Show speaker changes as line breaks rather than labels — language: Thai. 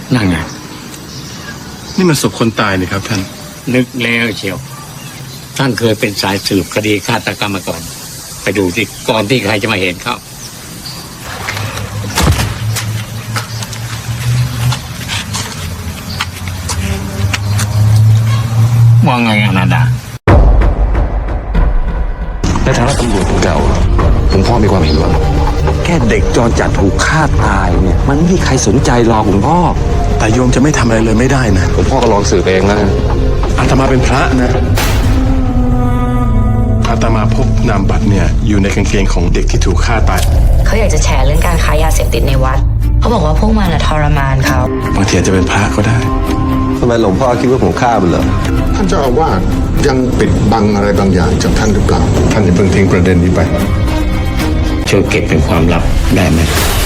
นั่นไง
นี่มันศพคนตายนี่ครับท่าน
นึกแล้วเชียวท่านเคยเป็นสายสืบคดีฆาตกรรมมาก่อนไปดูที่ก่อนที่ใครจะมาเห็นเขาว่าไงอนันดา
ในฐานะตำรวจเก่าผมพ่อมีความเห็นว่าแค่เด็กจรจัดถูกฆ่าตายเนี่ยมันไม่มีใครสนใจหรอกคุณพ่อ
แต่โยมจะไม่ทำอะไรเลยไม่ได้นะ
ผมพ่อก็ลองสืบเองแล้ว
อาตมาเป็นพระนะอาตมาพบนามบัตรเนี่ยอยู่ในกางเกงของเด็กที่ถูกฆ่าตาย
เขาอยากจะแฉเรื่องการค้ายาเสพติดในวัดเขาบอกว่าพวกมันทรมานเขา
บางทีจะเป็นพระก็ได้
ทำไมหลวงพ่อคิดว่าผมฆ่ามันเหรอ
ท่านเจ้าอาวาสยังปิดบังอะไรบางอย่างจากท่านหรือเปล่าท่านอย่าเพิ่งทิ้งประเด็นนี้ไป
ช่วยเก็บเป็นความลับได้ไหม